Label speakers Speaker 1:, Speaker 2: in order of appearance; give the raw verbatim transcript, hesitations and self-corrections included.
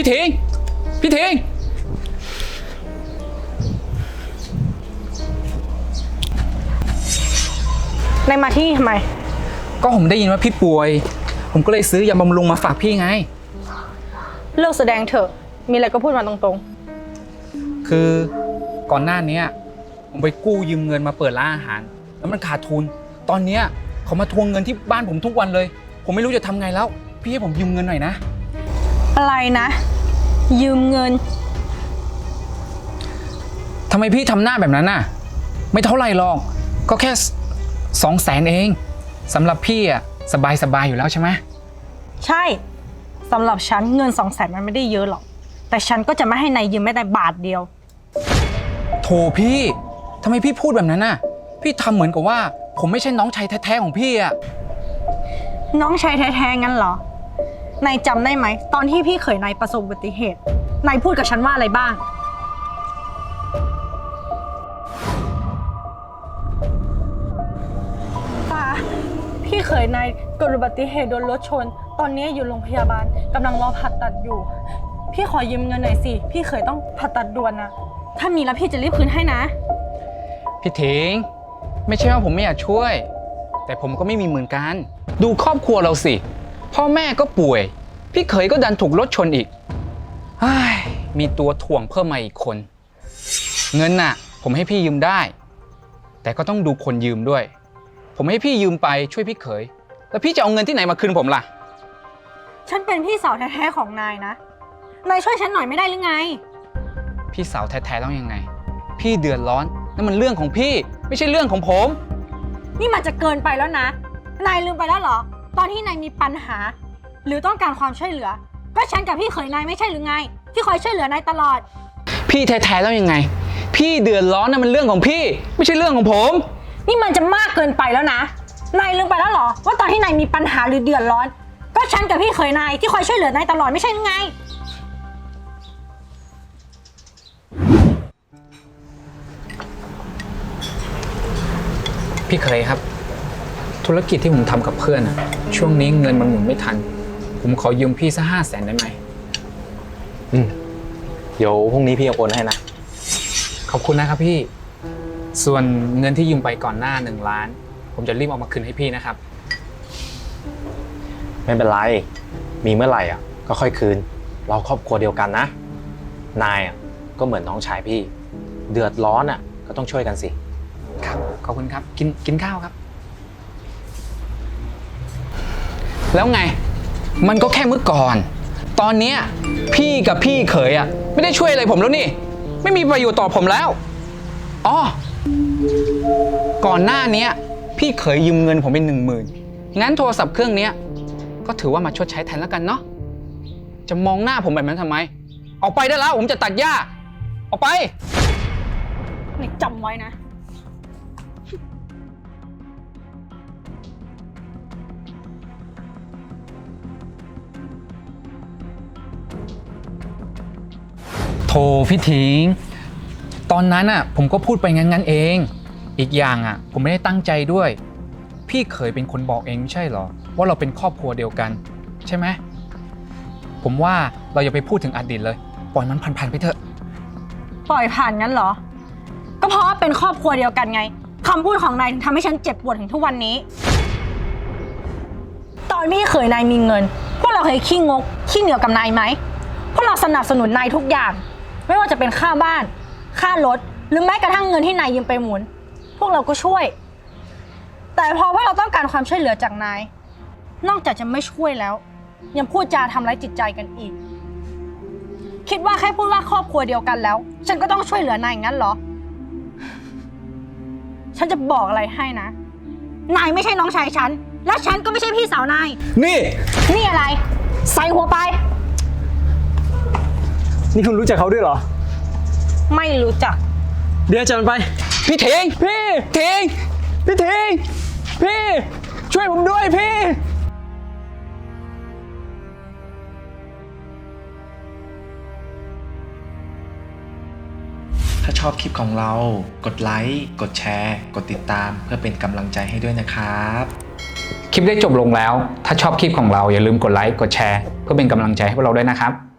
Speaker 1: ทิงพี่ทิง
Speaker 2: นายมาที่นี่ทำไม
Speaker 1: ก็ผมได้ยินว่าพี่ป่วยผมก็เลยซื้อยาบำรุงมาฝากพี่ไง
Speaker 2: เลิกแสดงเถอะมีอะไรก็พูดมาตรง
Speaker 1: ๆคือก่อนหน้านี้ผมไปกู้ยืมเงินมาเปิดร้านอาหารแล้วมันขาดทุนตอนนี้เขามาทวงเงินที่บ้านผมทุกวันเลยผมไม่รู้จะทำไงแล้วพี่ให้ผมยืมเงินหน่อยนะ
Speaker 2: อะไรนะยืมเงิน
Speaker 1: ทำไมพี่ทำหน้าแบบนั้นน่ะไม่เท่าไหร่หรอกก็แค่สองแสนเองสำหรับพี่อ่ะสบายสบายอยู่แล้วใช่ไหม
Speaker 2: ใช่สำหรับฉันเงินสองแสนมันไม่ได้เยอะหรอกแต่ฉันก็จะไม่ให้นายยืมแม้แต่บาทเดียว
Speaker 1: โถพี่ทำไมพี่พูดแบบนั้นน่ะพี่ทำเหมือนกับว่าผมไม่ใช่น้องชายแท้ๆของพี่อ่ะ
Speaker 2: น้องชายแท้ๆงั้นเหรอนายจำได้ไหมตอนที่พี่เขยนายประสบอุบัติเหตุนายพูดกับฉันว่าอะไรบ้างป้าพี่เขยนายเกิดอุบัติเหตุโดนรถชนตอนนี้อยู่โรงพยาบาลกำลังรอผ่าตัดอยู่พี่ขอยืมเงินหน่อยสิพี่เขยต้องผ่าตัดด่วนนะถ้ามีแล้วพี่จะรีบคืนให้นะ
Speaker 1: พี่ถิงไม่ใช่ว่าผมไม่อยากช่วยแต่ผมก็ไม่มีเหมือนกันดูครอบครัวเราสิพ่อแม่ก็ป่วยพี่เขยก็ดันถูกรถชนอีกมีตัวถ่วงเพิ่มมาอีกคนเงินน่ะผมให้พี่ยืมได้แต่ก็ต้องดูคนยืมด้วยผมให้พี่ยืมไปช่วยพี่เขยแล้วพี่จะเอาเงินที่ไหนมาคืนผมล่ะ
Speaker 2: ฉันเป็นพี่สาวแท้ๆของนายนะนายช่วยฉันหน่อยไม่ได้หรือไง
Speaker 1: พี่สาวแท้ๆต้องยังไงพี่เดือดร้อนนั่นมันเรื่องของพี่ไม่ใช่เรื่องของผม
Speaker 2: นี่มันจะเกินไปแล้วนะนายลืมไปแล้วเหรอตอนที่นายมีปัญหาหรือต้องการความช่วยเหลือก็ฉันกับพี่เขยนายไม่ใช่หรือไงที่คอยช่วยเหลือนายตลอด
Speaker 1: พี่แท้ๆแล้วยังไงพี่เดือดร้อนนั่นมันเรื่องของพี่ไม่ใช่เรื่องของผม
Speaker 2: นี่มันจะมากเกินไปแล้วนะนายลืมไปแล้วเหรอว่าตอนที่นายมีปัญหาหรือเดือดร้อนก็ฉันกับพี่เขยนายที่คอยช่วยเหลือนายตลอดไม่ใช่หรือไง
Speaker 1: พี่เคยครับธุรกิจที่ผมทำกับเพื่อนอะช่วงนี้เงินมันหมุนไม่ทันผมขอยืมพี่สักห้าแสนได้ไหม
Speaker 3: อืมเดี๋ยวพรุ่งนี้พี่โอนให้นะ
Speaker 1: ขอบคุณนะครับพี่ส่วนเงินที่ยืมไปก่อนหน้าหนึ่งล้านผมจะรีบเอามาคืนให้พี่นะครับ
Speaker 3: ไม่เป็นไรมีเมื่อไหร่อ่ะก็ค่อยคืนเราครอบครัวเดียวกันนะนายอ่ะก็เหมือนน้องชายพี่เดือดร้อนอ่ะก็ต้องช่วยกันสิ
Speaker 1: ครับขอบคุณครับกินกินข้าวครับแล้วไงมันก็แค่เมื่อก่อนตอนนี้พี่กับพี่เขยอ่ะไม่ได้ช่วยอะไรผมแล้วนี่ไม่มีประโยชน์ต่อผมแล้วอ๋อก่อนหน้านี้พี่เขยยืมเงินผมเป็นหนึ่งหมื่นงั้นโทรศัพท์เครื่องนี้ก็ถือว่ามาชดใช้แทนแล้วกันเนาะจะมองหน้าผมแบบนั้นทำไมออกไปได้แล้วผมจะตัดหญ้าออกไป
Speaker 2: นี่จำไว้นะ
Speaker 1: โธ่พี่ถิงตอนนั้นอ่ะผมก็พูดไปงั้นๆเองอีกอย่างอ่ะผมไม่ได้ตั้งใจด้วยพี่เคยเป็นคนบอกเองไม่ใช่เหรอว่าเราเป็นครอบครัวเดียวกันใช่ไหมผมว่าเราอย่าไปพูดถึงอดีตเลยปล่อยมันผ่านๆไปเถอะ
Speaker 2: ปล่อยผ่านงั้นเหรอก็เพราะว่าเป็นครอบครัวเดียวกันไงคำพูดของนายทำให้ฉันเจ็บปวดถึงทุกวันนี้ตอนพี่เขยนายมีเงินพวกเราเคยขี้งกขี้เหนียวกับนายไหมพวกเราสนับสนุนนายทุกอย่างไม่ว่าจะเป็นค่าบ้านค่ารถหรือแม้กระทั่งเงินที่นายยืมไปหมุนพวกเราก็ช่วยแต่พอพวกเราต้องการความช่วยเหลือจากนายนอกจากจะไม่ช่วยแล้วยังพูดจาทำร้ายจิตใจกันอีกคิดว่าแค่พูดว่าครอบครัวเดียวกันแล้วฉันก็ต้องช่วยเหลือนายงั้นเหรอฉันจะบอกอะไรให้นะนายไม่ใช่น้องชายฉันและฉันก็ไม่ใช่พี่สาวนาย
Speaker 1: นี่
Speaker 2: นี่อะไรใส่หัวไป
Speaker 4: นี่คุณรู้จักเขาด้วยเหรอ
Speaker 2: ไม่รู้จัก
Speaker 4: เดี๋ยวจัดไป
Speaker 1: พี่เทง
Speaker 4: พี่
Speaker 1: เทง
Speaker 4: พี่เทงพี่ช่วยผมด้วยพี่
Speaker 5: ถ้าชอบคลิปของเรากดไลค์กดแชร์กดติดตามเพื่อเป็นกำลังใจให้ด้วยนะครับ
Speaker 1: คลิปได้จบลงแล้วถ้าชอบคลิปของเราอย่าลืมกดไลค์กดแชร์เพื่อเป็นกำลังใจให้พวกเราด้วยนะครับ